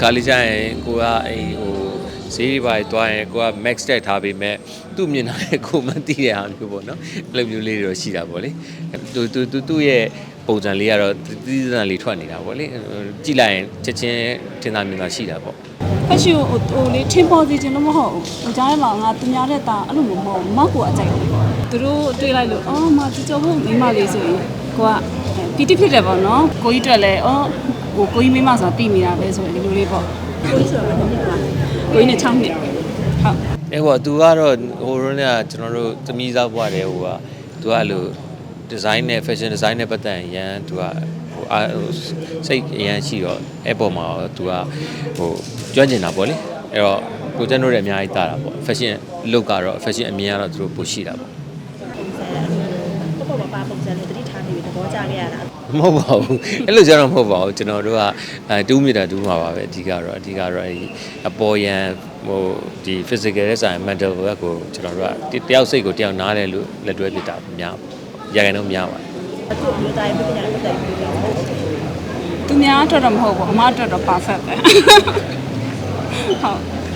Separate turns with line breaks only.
ခါလေးကျရင်ကိုကဈေးတွေပါသွားရင်ကိုက max တက်ထားပေမဲ့သူ့မြင်တာလည်းကိုမသိတဲ့အားမျိုးပေါ့နော်အဲ့လိုမျိုးလေးတွေတော့ရှိတာပေါ့လေသူ့ရဲ့ပုံစံလေးကတော့သီးသန့်လေးထွက်နေတာပေါ့လေကြည့်လိုက်ရင်ချက်ချင်းထင်သာမြင်သာရှိတာပေါ့
fashion လေးထင်ပေါ်စေချင်လို့မဟုတ်ဘူးကြားထဲမှာငါသူများတဲ့တာအဲ့လိုမျိုးမဟုတ်ဘူးမောက်ကိုအကြိုက်တယ်သူတို့တွေ့လိုက်လို့အော်မသူကြောဖို့မိမလေးဆိုရင်ကိုကပီတိဖြစ်တယ်ပေါ့နော်ကိုကြီးတွေ့လဲကိုကြီးမိမဆိုတာတိနေတာပဲဆိုရင်ဒီလိုလေးပေါ့ကိုကြီးဆိုတာဘာဖြစ်လဲကိုကြီးနဲ့6နှစ်ဟုတ်
အဲ့ဟိုသူကတော့ဟိုရုံးကကျွန်တော်တို့သမီးစားဘွားတယ်ဟိုကသူကအဲ့လို design နဲ့ fashion design နဲ့ပတ်သက်ရင်ရန်သူကစိတ်အရန်ရှိတော့အဲ့ပေါ်မှာသူကကျွမ်းကျင်တာပေါ့လေအဲ့တော့ကိုကျန်တို့လည်းအများကြီးတာတာပေါ့ fashion look ကတော့ fashion အမြင်ကတော့သူတို့ပိုရှိတာပေါ့
ပါပုံစံလေးတတိထားနေပြီးသဘောကျခဲ့ရတာ
မဟုတ်ပါဘူးအဲ့လိုကြတော့မဟုတ်ပါဘူးကျွန်တော်တို့ကတူးမိတာတူးမှာပါပဲအဓိကတော့အပေါ်ရန်ဒီ physical ရဲ့ဆိုင် mental ဘက်ကိုကျွန်တော်တို့ကတယောက်စိတ်ကိုတယောက်နားလဲလို့လက်တွဲပြတာများရခိုင်တော့များပါတယ်
အခုမျိုးသားရဲ့ပြဿနာပတ်သက်ပြီးပြော
သူများအတွက်တော့မဟုတ်ဘူးအမအတွက်တော့ perfect ပဲဟုတ်